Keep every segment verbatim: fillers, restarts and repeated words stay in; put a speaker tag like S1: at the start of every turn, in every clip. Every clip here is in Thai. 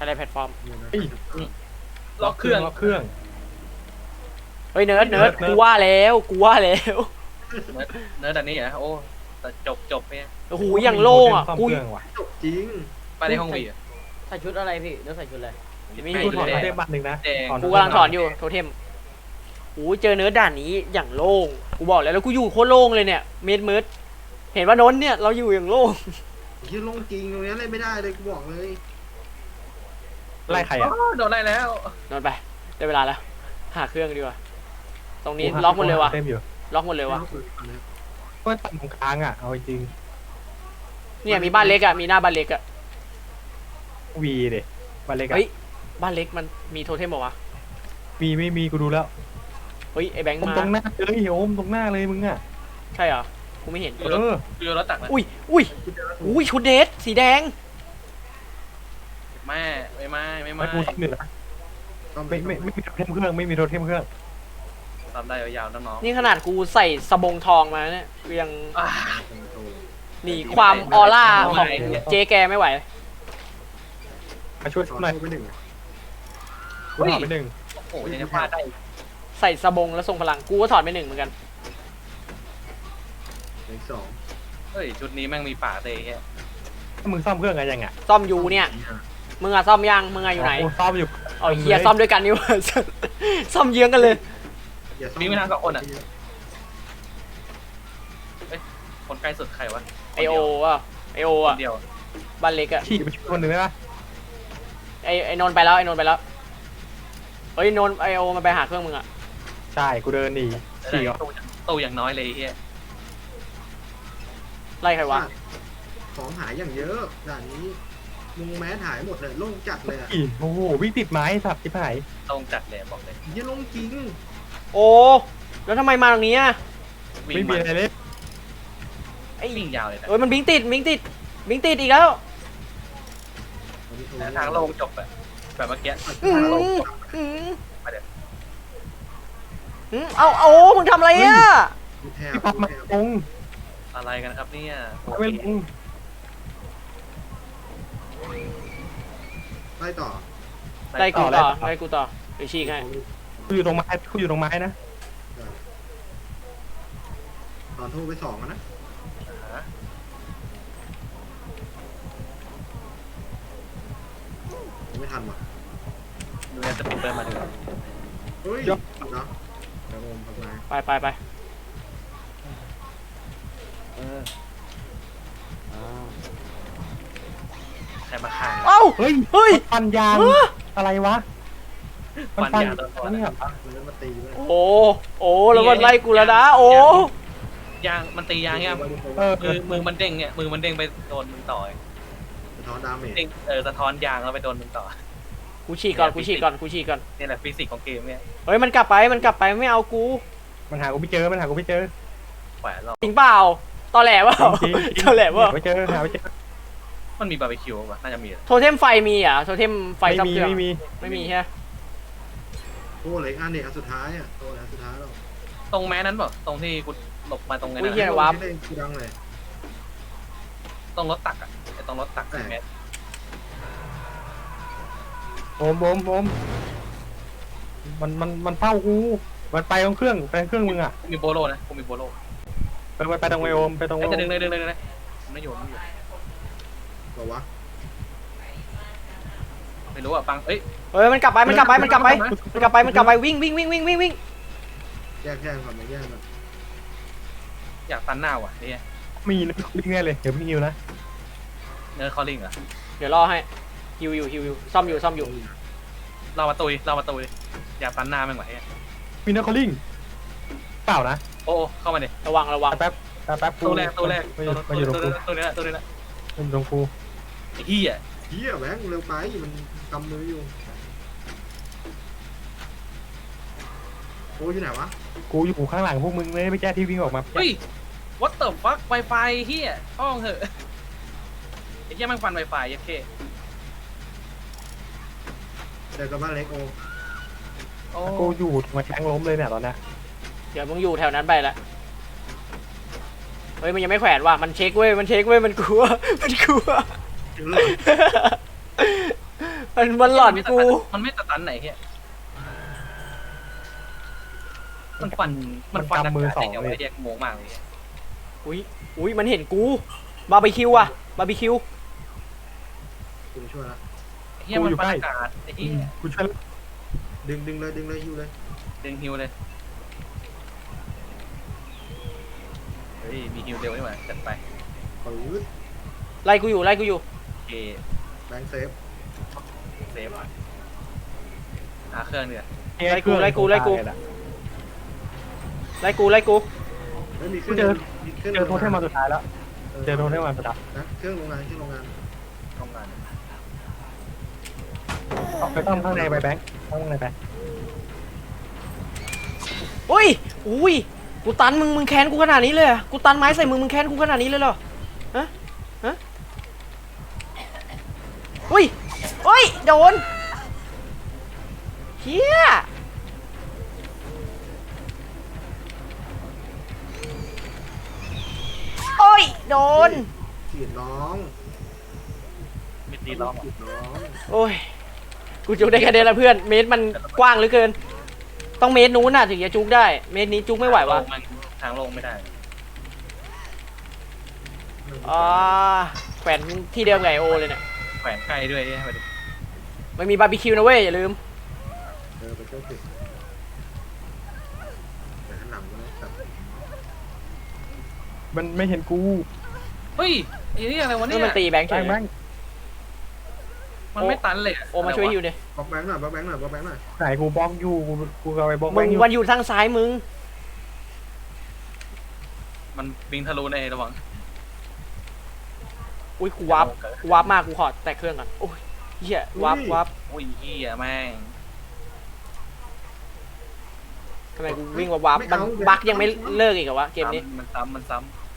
S1: อะไรแพลตฟอร์ม
S2: ล็อกเครื่อง
S3: ล็อกเครื่อง
S1: เฮ้ยเนิร์ดเนิร์ดกูว่าแล้วกูว่าแล้ว
S2: เนื้อแต่นี้เหรอโอ้แต่จบจบเนี่ย
S1: โอ้โหอย่างโล่งอ่ะกู
S4: จบจริง
S2: ไปในห้องวีอ่ะ
S5: ใส่ชุดอะไรพี่เดี๋ยวใส่ชุดอะไร
S1: ไม่
S3: กู
S1: เห็น
S3: ถอด
S1: เล
S3: มาย ได้บัตรหนึ่งนะ
S2: แดง
S1: กูกำลังถอนอยู่โทเทมโอ้เจอเนิร์ดด่านนี้อย่างโล่งกูบอกแล้วแล้วกูอยู่โคตรโล่งเลยเนี่ยเมิดมืดเห็นว่านนท์เนี่ยเราอยู่อย่างโล่ง
S4: ที่ลงจริงตรงนี้เล่นไม่ได้เลยกูบอกเลย
S3: ไล่ใครอ่ะ
S2: โดนไล่แล้ว
S1: นอนไปได้เวลาแล้วหาเครื่องดีกว่าตรงนี้ล็อกหมดเลยวะ
S3: เต็มอยู่
S1: ล็อกหมดเลยวะ
S3: ก็ตัดตรงกลางอ่ะเอาจริง
S1: เนี่ยมีบ้านเล็กอ่ะมีหน้าบ้านเล็กอ่ะ
S3: วีเด็บัตรเล็กอ่ะ
S1: เฮ้ยบ้านเล็กมันมีโทเทมเปล่าวะ
S3: มีไม่มีกูดูแล้ว
S1: เฮ้ยไอ้แบงค์
S3: ตรง
S1: มา
S3: ตรงหน้าเลยโอมตรงหน้าเลยมึงอ่ะ
S1: ใช่เหรอกูไม่เห็น
S3: เออ
S2: ดูรถตักนะ
S1: อุ้ยอุ้ยอุ้ยชุดเดทสีแดง
S2: แม่ไม่ไม่ไม่
S3: ไม่
S2: ไม่
S3: กูต้องเหนือไม่ไม่ไม่มีโทเทมเครื่องไม่มีโทเทมเครื่อง
S2: ทำได้ยาวๆน้อง
S1: นี่ขนาดกูใส่สบงทองมาเนี่ยกูยัง
S2: ๆอ่า
S1: หนีความออร่าของเจ๊แกไม่ไหว
S3: มาช่วย
S4: ถอ
S3: หน่อย
S4: ดไปหนึ่ง
S3: กูถอดไปหนึ่ง
S2: โอ้โหยังจะพลาดได้
S1: ใส่สบงแล้วทรงพลังกูก็ถอดไปหนึ่งเหมือนกัน
S4: อีกสอง
S2: เฮ้ยชุดนี้แม่งมีป่าเตะแค่
S3: ถ้ามึงซ่อมเครื่องอะไรยังอ่ะ
S1: ซ่อมยูเนี่ยมึงอะซ่อมยังมึงอะอยู่ไหน
S3: กูซ่อมอยู่
S1: เอาเฮียซ่อมด้วยกันนี่หว่า ซ่อมเยื้องกันเลย
S2: มีไม่ทางสองคนอ่ะคนใกล้สุดใครวะ
S1: ไอโออ่ะไอโอ
S2: ค
S1: อ่ะ
S2: นเดียว
S1: บ้านเล็กอ่ะ
S3: ขี่ไปช่วยคนหนึ่งได้ปะ
S1: ไอไอนนท์ไปแล้วไอนนท์ไปแล้วเฮ้ยนนท์ไอโอมันไปหาเครื่องมึงอ่ะ
S3: ใช่กูเดินหนีขี่ก่อน
S2: ตู้อย่างน้อยเลยเฮีย
S1: ไล่ใครวะ
S4: ของหายอย่างเยอะด่านนี้มุงแมสหายหมดเลยโล่งจัดเลยอ่ะ
S3: ขี่โอ้โหวิ่งติดไม้สับที่ไหน
S2: ตรงจัดเลยบอกเลย
S4: ยี่ลงจริง
S1: โอ้แล้วทำไมมาตรงนี้อ่ะ
S2: วิ่ง
S3: ไม่มี
S2: มา
S3: อะไรเลย
S1: ไอ้
S2: วิ่งยาวเลยนะ
S1: เอ้ยมันบิงติดบิงติดบิงติดอีกแล้ว
S2: ทางลงจบแบบแบบเมื่อกี้
S1: อืม
S2: ทางลงจบ
S1: อืม
S2: มาเดี๋ยว
S1: อืมเอาเอามึงทำอะไรอ่ะ
S4: แทบ
S3: ที่พับมา
S4: แทบ
S3: ลง
S2: อะไรกันครับเนี่ยโอ
S3: ไม่
S2: เค
S3: ลง
S4: ไล่ต่อ
S1: ไล่กูต่อไล่กูต่อเดี๋ยวฉีกให้
S3: กูอยู่ตรงไม้กูอยู่ตรงไม้นะ
S4: ตอนโทรไปสองนะไม่ทันว่ะ
S2: ดูแลจะปิดเปิดมาดู
S4: เฮ้ยเนาะแต่โอมทำไง
S1: ไปไปไป
S2: ใครมาข้าง
S1: เอ้า
S3: เฮ้ย
S1: เฮ้ย
S3: ฟันยางอะไรวะ
S2: ฟันยางตัวตัว
S3: เนี่ย
S4: มันมาตีเลย
S1: โอ้โอ้แล้วมันไล่กูแล้วนะโอ้
S2: ยางมันตียางเนี่ย
S3: เออ
S2: มือมือมันเด้งเนี่ยมือมันเด้งไปโดนมึงต่อย
S4: สะท้อนดาเมจ
S2: เด้งเออสะท้อนยางแล้วไปโดนมึงต่อ
S1: กูฉีกก่อนกูฉีกก่อนกูฉีกก่อน
S2: นี่แหละฟิสิกส์ของเกมเนี่ย
S1: เฮ้ยมันกลับไปมันกลับไปไม่เอากู
S3: มันหากูไม่เจอมันหากูไม่เจอ
S2: แขวนเรา
S1: จริงเปล่าตอแหลเปล่า
S3: จริงๆ
S1: ตอแหลเปล่า
S3: หาไม่เจอหาไม่เจอ
S2: มันมีบาร์บีคิวป่ะน่าจะมี
S1: โทเทมไฟมีอ่ะโทเทมไฟ
S3: ไม่
S1: ซับ
S3: มี
S1: เครื่อง
S3: ไม่มี
S1: ไม่มีใช่ไหม
S4: โอ้เหลยอันเนี่ยอันสุดท้ายอ่ะโตอันสุดท้ายเรา
S2: ตรงแม้นั้นเปล่าตรงที่กูหลบมาตรงนั้น
S1: อุ้ยเฮีย
S2: นะ
S1: วาร์ป
S4: เล่นกูดังเลย
S2: ตรงรถตักอ่ะไอ้ตรงรถตักสี่เมตร
S3: โอมโอมโอมมันมันมันเฝ้ากูมันไปตรงเครื่องไปเครื่องมึงอ่ะ
S2: กูมีโบโลนะกูมีโบโล
S3: ไปไปไปตรงไอโอมไปตรง
S2: ไอ้จะดึงเลยดึงเลยดึงเลยไม่อยู่ไม่อยู่
S4: บอกว่า
S2: ไม่รู้อ่ะปังเอ้ย
S1: เฮ้ยมันกลับไปมันกลับไปมันกลับไปมันกลับไปมันกลับไปวิ่งวิ่งวิ่งวิ่งวิ่งวิ่ง
S4: แยกแยกก่อนมาแยกก่อน
S2: อยากตันหน้าว่ะเนี่ย
S3: มีนะลิงแน่เลยเดี๋ยวพี่ฮิวนะ
S2: เนื้อคอลลิงเหรอ
S1: เดี๋ยวรอให้ฮิวอยู่ฮิวอยู่ซ่อมอยู่ซ่อมอยู่
S2: เรามาตุยเรามาตุยอยากตันหน้าแม่งว่ะเนี่ย
S3: มีนะคอลลิงเปล่านะ
S2: โอ้เข้ามาดิ
S1: ระวังระวัง
S3: แป๊บแป๊บแป๊บ
S2: ตัวแรกตัวแรก
S3: มาอยู่มาอยู่ตรงกู
S2: ตัวนี้แหละตัวนี้แหละ
S3: มาอยู่ตรงกู
S2: ไอ้เหี้ย
S4: เฮียแบงค์เร็วไปมันกำมืออยู่โอ้ยอยู่ไหนวะ
S3: กูอยู่ข้างหลังพวกมึงเลยไม่แก้ที่วิ่งออกมา
S2: เฮ้ย what the fuck Wi-Fi เหี้ยห้องเหอะไอ้เหี้ยแม่งฟัน Wi-Fi ยัดเค
S4: เจอกับบ้านเล็กโอ
S2: โอ้
S3: กูอยู่มาแข้งล้มเลยเนี่ยตอนเนี้ย
S1: เดี๋ยวมึงอยู่แถวนั้นไปละเฮ้ยมันยังไม่แขวนว่ะมันเช็คเว้ยมันเช็คเว้ยมันกลัวมันกลัว
S4: เจอเลย
S1: มันมันหลอนกู
S2: มันไม่สตันไหนเฮียมันฟันมันฟันมือสองเลยเรียกโมงมากเลย
S1: อุ้ยอุ้ยมันเห็นกูบาร์บีคิวอะบาร์บีคิว
S4: กูช่วยละ
S2: เฮียมันฟันอากาศไอ้เฮีย
S3: กูช่วย
S4: ดึงดึงเลยดึงเลยฮิวเลย
S2: ดึงฮิวเลยเฮ้ยมีฮิวเร็วนี่หว่าจัดไป
S4: ปื๊ด
S1: ไล่กูอยู่ไล่กูอยู่
S2: โอเค
S4: แบงค์เซฟ
S2: เซฟหาเครื่องเนี่ย
S1: ไล่กูไล่กูไล่กูไล่กูไล่กู
S4: แล้วมีเค
S3: กู
S4: รื่อง
S3: เจอ
S4: มีเครื่อง
S3: เจอโทเทมมาสุดท้ายแล้วเจอโทเทมมาสุดท้าย
S4: นะเครื่องโรงงานเครื่องโรงงาน
S2: ทำงาน
S3: ไปต้องข้างในไปแบงค์ข้างในไป
S1: อุ้ยอุ้ยกูตันมึงมึงแค้นกูขนาดนี้เลยอะกูตันไม้ใส่มึงมึงแค้นกูขนาดนี้เลยเหรอฮะฮะอุ้ยอุ้ยโดนเฮียโอ้ยโดน
S4: ขีดน้อง
S2: มิดดีล้อม
S4: ขีดน้อง
S1: โอ้ยกูจุกได้แค่เดียวละเพื่อนเมตรมันกว้างเหลือเกินต้องเมตรนู้นน่ะถึงจะจุกได้เมตรนี้จุกไม่ไหววะ
S2: ทางลงไม่ได้
S1: อ่าแขวนที่เดิมไงโอเลยเนี่ย
S2: แขวนใกล้ด้วยเนี่ยมาดู
S1: มันมีบาร์บีคิวนะเว้ยอย่าลืม
S4: เออไปเจ้าผิดแต่ข้างหลังนะแต่
S3: มันไม่เห็นกู
S2: เฮ้ยไอ้นี่อะไรวะ
S1: นี่
S2: เนี่ย
S1: มันตีแบงค์เฉ
S3: แบ
S1: ย
S3: งค์แบงค์
S2: มันไม่ตันเลย
S1: โอมาช่วยฮิวดิ
S4: บล็อกแบงค์หน่อยบล็อกแบงค์หน่อยบล็อกแบงค์หน่อย
S3: ไหนกูบล็อกอยู่กูกูเอาไปบล็อกแบ
S1: มึ
S3: ง
S1: ง
S3: ค์อยู่
S1: วันอยู่ทางซ้ายมึง
S2: มันบิงทะลุในระวัง
S1: อุ้ยกูวับกูวับมากกูขอแตะเครื่องก่อนโอ้ยเหี้ยวับวับ
S2: โอ้ยเฮียแม่ง
S1: ทำไมกูวิ่งวับวับมันบั๊กยังไม่เลิกอีกเหรอวะเกมนี้
S2: มันซ้ำมันซ้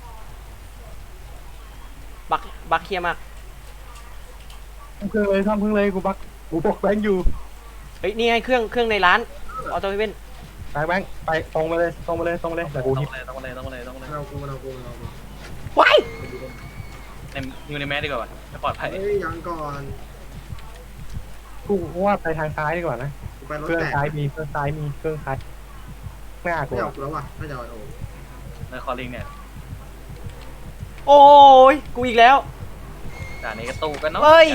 S1: บั๊กบั๊กเฮี้ยมาก
S3: ทำเครื่องเลยทำเครื่องเลยกูบล็อกกูบล็อกแบงค์อยู่
S1: เฮ้ยนี่ไงเครื่องเครื่องในร้านออโต้เว่น
S3: แบงค์แบงค์ไปตรงไปเลยตรงไปเลยตรงไปเลย
S2: ำ
S3: แต่กู
S2: ต้
S3: ฮิ
S2: องเลยต้องเลยต้องเลยต้องเลย
S4: เรากูเรากูเรากู
S1: ว้าย
S2: ในอยู่ในแมสดีกว่าจะปลอดภัย
S4: เฮ้ยยังก่อน
S3: กูว่าไปทางซ้ายดีกว่านะ
S4: กูไปรถ
S3: เครื่อง
S4: แตก
S3: ซ้ายมีเครื่องซ้ายมีเครื่องซ้ายหน้ากู
S4: ไม่เอากูแล้วว่ะไม่จะเอาโอ้
S2: ในคอลิงเนี่ย
S1: โอ้ยกูอีกแล้ว
S2: ด่านนี้ก็ตู้กันเนาะ
S1: เฮ้ย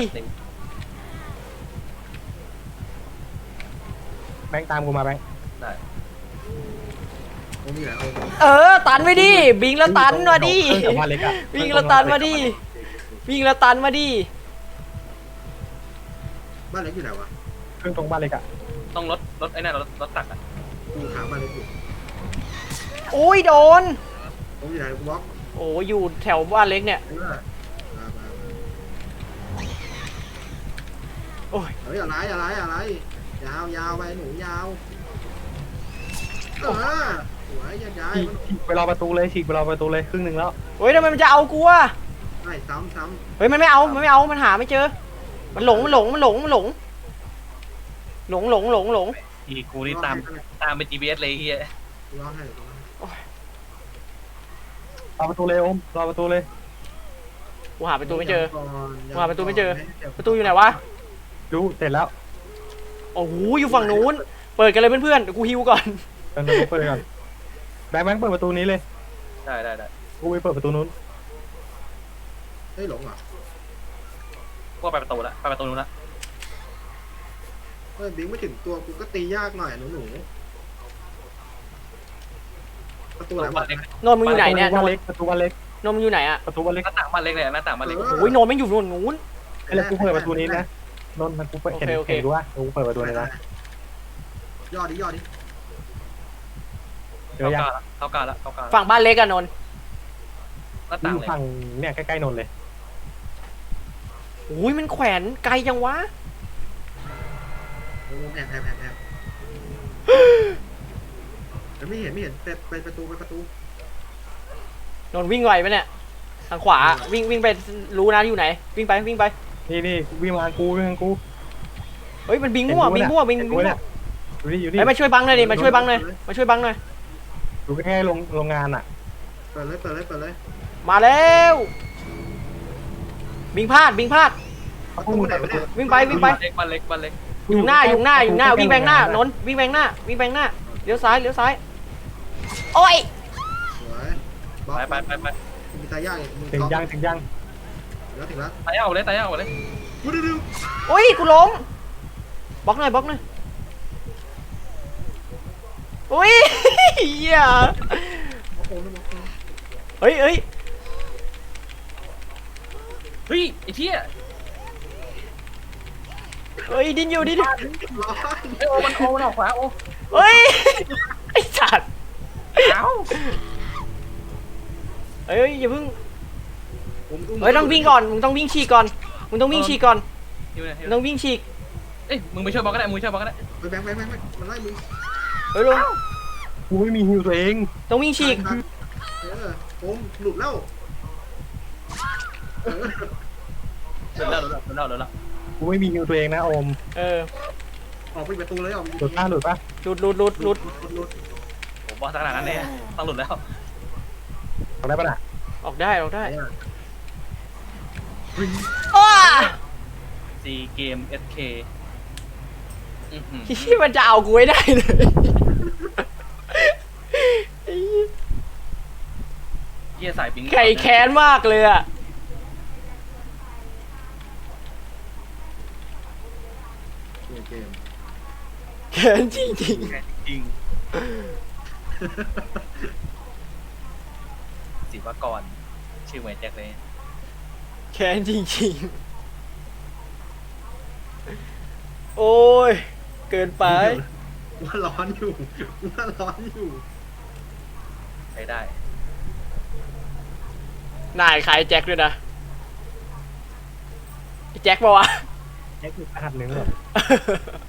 S3: แบงค์ตามกูมาแบงค์
S2: ได้
S4: โอ้มีแหละโอ้
S1: เออตันไปดิบิงแล้วตันมาดิ
S3: เครื่องกับบ้านเล็กอะ
S1: วิ่งแล้วตันมาดิวิ่งแล้วตันมาดิ
S4: บ้านเล็กอยู่ไหนวะ
S3: เครื่องตรงบ้านเล็กอะ
S2: ต้องรถรถไอ้นั่นรถรถตักอ่ะ
S4: กูถามบ้านเล็กอยู่
S1: โอ้ยโดน
S4: ผมอยู่ไหนกูบล็อก
S1: โอ้ยอยู่แถวบ้านเล็กเนี่ย
S4: เออมามา
S1: โอ้ย
S4: เฮ้ยอะไรอะไรอะไรยาวยาวไปหนูยาวเออสวยย้ายย้าย
S3: ฉีกฉีกไปรอประตูเลยฉีกไปรอประตูเลยครึ่งหนึ่งแล้ว
S1: เฮ้ยทำไมมันจะเอากูอะ
S4: ไอ้ซ้ำซ้
S1: เฮ้ยมันไม่เอามันไม่เอามันหาไม่เจอ มันหลงมันหลงมันหลงมันหลงหลงหลงหลงหลง
S2: อีกูนี่ตามตามไป จี พี เอส เลยเฮีย
S4: กูร้องให้กูร้องให้
S3: รอประตูเลยโอมรอประตูเลย
S1: กูหาประตูไม่เจอ
S4: ก่อน
S1: ว่าประตูไม่เจอ ประตูอยู่ไหนวะ
S3: ดูเสร็จแล้ว
S1: โอ้โหอยู่ฝั่งนู้น เปิดกันเลยเพื่อนๆเดี๋ยวกูฮิวก่อน
S3: เปิดประตูเปิดก่อนแบงค์แบงค์เปิดประตูนี้เลย
S2: ได้ได้ได้
S3: กูไปเปิดประตูนู้น
S4: เฮ้ยหลงเหรอ
S2: ก็ไปประตูละไปประตูนู้นละ
S4: เฮ้ยบิงไม่ถึงตัวกูก็ตียากหน่อยหนูหนูประตูไหนวะ
S1: โนนมึงอยู่ไหนเนี่ย
S3: ประ
S1: โน
S3: ตูบ้าน
S1: น
S3: เล็กประตูบ้านเล็ก
S1: โนนมึงอยู่ไหนอะ
S3: ประตูบ้านเล็ก
S2: หน้าต่างบ้านเล็กเลยหน้าต่างบ้านเล็ก
S1: โอ้ยโนนไม่งอยู่โนนนู้น
S3: ไอ้เล็กกูเปิดประตูนี้นะนนท์มันกูเปิดเห็น
S1: โอเคโอเค
S3: เห็นดูว่ากูเปิดประตูนี้นะ
S4: ยอดดิยอดดิ
S3: เดี๋ยว
S2: เข้า
S3: ยัง
S2: กาละเข้ากาละเข้ากาละ
S1: ฝั่งบ้านเล็กอะโนน
S2: หน้า
S3: กู
S2: ต่าง
S3: อยู่
S2: เลย
S3: ฝั่งเนี่ยใกล้ๆนนท์เลย
S1: โอ้ยมันแขวนไกลจังวะ
S4: โอ้แอบแอบแอบแอบแต่ไม่เห็นไม่เห็นไปไปประตูไปประตู
S1: โนนวิ่งไวปะเนี่ย ทางขวาวิ่งวิ่งไปรู้นะอยู่ไหน วิ่งไปวิ่งไป
S3: นี่นี่วิ่งมาทางกูวิ่งมาทางกู
S1: เฮ้ยมันบิงมั่วบิงมั่วบิง
S3: เห็น
S1: บิง
S3: กู
S1: มั่ว
S3: เนี่ยอยู่นี่อยู่นี่
S1: เฮ้ยมาช่วยบังหน่อยดิมาช่วยบังหน่อยมาช่วยบังหน่อย
S3: อยู่ใกล้ๆโรงโรงงานอ่ะ
S4: เปิดเลยเปิดเลยเปิดเลย
S1: มาแล้วบิงพลาดบิงพลาด
S3: พวกมึงไหนวะเนี่ย
S1: วิ่งไปวิ่งไป
S2: เล็กบ้านเล็กบ้านเล็ก
S1: อยู่หน้าอยู่หน้าอยู่หน้าวิ่งแบงหน้านนท์วิ่งแบงหน้าวิ่งแบงหน้าเลี้ยวซ้ายเลี้ยวซ้ายโอ้ย
S4: สวยบล็อก
S2: ไปไปไปไป
S4: มีตายากอีกมึง
S3: ถึงยังถึงยัง
S4: แล้วถึงแล้ว
S2: ตายเอาเลยตายเอาเลย
S4: ดูดูดู
S1: โอ้ยกูล้มบล็อกหน่อยบล็อกหน่อยโอ้ยเหี้ย
S4: โอ้โหนึกว่า
S1: เฮ้ยเฮ้ย
S2: เฮ้ยไอ้เหี้ย
S1: เฮ้ยดินอยู่ดินอยู่
S4: ร้อย
S2: ไอ้โอมันโอมันออกขวาโอ
S1: เฮ้ยไอ้สัตว์
S2: เอ้า
S1: เฮ้ยอย่าเพิ่ง
S4: ผมอุ้ม
S1: เฮ้ยต้องวิ่งก่อนมึงต้องวิ่งฉีกก่อนมึงต้องวิ่งฉีกก่อน
S2: อยู่ไหน
S1: มึงต้องวิ่งฉีก
S2: เอ้ยมึงไปช่วยบอลก็ได้มึงช่วยบอลก็ได้
S4: ไปแบงค์ไปแบงค์ไปมันไล่มึง
S1: เฮ้ยลง
S3: กูไม่มีฮิวตัวเอง
S1: ต้องวิ่งฉีก
S4: เออผมหลุดแล้วเออ
S2: เดินแล้วเดินแล้วเดินแล้วเดินแล้ว
S3: กูไม่มีฮิวตัวเองนะโอม
S1: เออ
S4: ออกไปประตูเลยออก
S3: หลุดป่ะหลุดป่ะ
S1: หลุดหลุดหลุดหลุด
S4: หลุดหลุด
S2: ผมบอกขนาดนั้นเลยต้องหลุดแล้ว
S3: ทำได้ป่ะน่ะ
S1: ออกได้ออกได้
S4: เนี่ย
S1: อ้า
S2: ซีเกมเอสเค
S1: ที่มันจะเอากูไม่ได้เลยไอ้เหี้ย
S2: เหี้ยสายปิง
S1: ไก่แค้นมากเลยอะ
S4: เกมเกม
S1: แค้นจริง
S2: จริงศิวกรชื่อเหมือนแจ็คเลย
S1: ๆแค้นจริงๆโอ้ยเกินไป
S4: ว่าร้อนอยู่ว่าร้อนอยู่
S2: ใช้ได้
S1: นายขายแจ็คด้วยนะไอ้แจ็คปะวะ
S3: แค่คือรหัสหนึ่งหรอ